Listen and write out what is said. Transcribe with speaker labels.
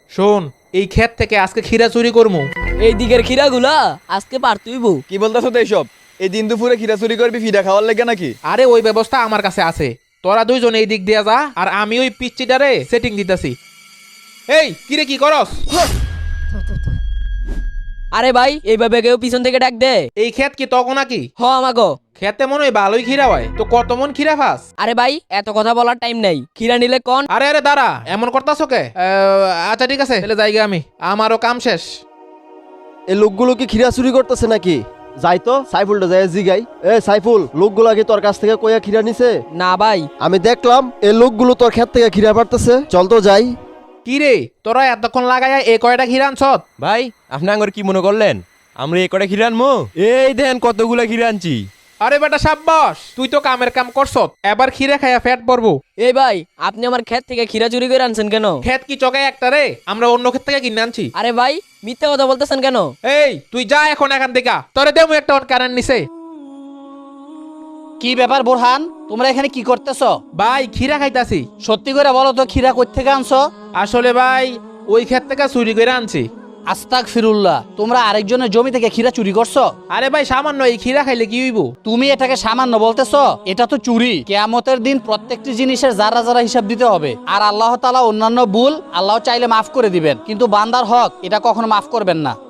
Speaker 1: শোন, এই ক্ষেত থেকে আজকে খিরা চুরি করমু।
Speaker 2: এই দিকের খিরাগুলা আজকে পারতুইব।
Speaker 3: কি বলতেছো তো এইসব? এই দিন দুপুরে খিরা চুরি করবি ফিডা খাওয়ার লাগে নাকি?
Speaker 1: আরে ওই ব্যবস্থা আমার কাছে আছে, তোরা দুইজন এই দিক দিয়া যা, আর আমি ওই পিচ্চিটারে সেটিং দিতেছি। এই কিরে কি করস?
Speaker 2: আরে ভাই এইভাবে কেউ পিছন থেকে ডাক দে।
Speaker 1: এই ক্ষেত কি তখন নাকি?
Speaker 2: হ আমাগো।
Speaker 1: খেতে মনে হয় ভালোই খিরা হয়, তো কত মন খিরা ফাস?
Speaker 2: আরে ভাই এত কথা বলার টাইম নাই, খিরা নিলে কোন?
Speaker 1: আরে আরে দাঁড়া, এমন করতাছো কে? আচ্ছা ঠিক আছে, তাহলে যাইগে আমি, আমারও কাম শেষ।
Speaker 4: এই লোকগুলো কি খিরা চুরি করতেছে নাকি? যাই তো সাইফুলটা যাই জিগাই। এ সাইফুল, লোকগুলা কি তোর কাছ থেকে কইয়া খিরা নিছে?
Speaker 2: না ভাই।
Speaker 4: আমি দেখলাম এই লোকগুলো তোর ক্ষেত থেকে খিরা পারতেছে, চল তো যাই।
Speaker 1: কি রে তোরা এতক্ষণ লাগাইয়া এ কয়টা খিরা আনছত?
Speaker 5: ভাই আপনি আঙ্গর কি মনে করলেন আমরা এ কটা খিরে আনবো? এই দেন কতগুলা খিরে আনছি।
Speaker 1: আরে বেটা সাব্বাস, তুই তো কামের কাম করছত, এবার খিরে খাইয়া ফ্যাট পড়বো।
Speaker 2: এই ভাই আপনি আমার ক্ষেত থেকে খিরা চুরি করে আনছেন কেন?
Speaker 1: ক্ষেত কি চকে একটা রে? আমরা অন্য ক্ষেত থেকে কিনে আনছি।
Speaker 2: আরে ভাই মিথ্যা কথা বলতেছেন কেন?
Speaker 1: এই তুই যা এখন এখান থেকে, তোরে দেবো একটা কারেন্ট নিছে।
Speaker 6: কি ব্যাপার বোরহান, তোমরা এখানে কি করতেছ?
Speaker 1: ভাই খিরা খাইতাছি।
Speaker 6: সত্যি করে বলো তো, খিরা কই থেকে আনছো?
Speaker 1: আসলে ভাই ওই ক্ষেত থেকে চুরি করে আনছি।
Speaker 6: আস্তাক ফিরুল্লাহ, তোমরা আরেকজনের জমি থেকে খিরা চুরি করছো?
Speaker 1: আরে ভাই সামান্য এই খিরা খাইলে কি হইব?
Speaker 6: তুমি এটাকে সামান্য বলতেছো? এটা তো চুরি। কিয়ামতের দিন প্রত্যেকটি জিনিসের যারা যারা হিসাব দিতে হবে। আর আল্লাহ তাআলা অন্যান্য ভুল আল্লাহ চাইলে মাফ করে দিবেন, কিন্তু বান্দার হক এটা কখনো মাফ করবেন না।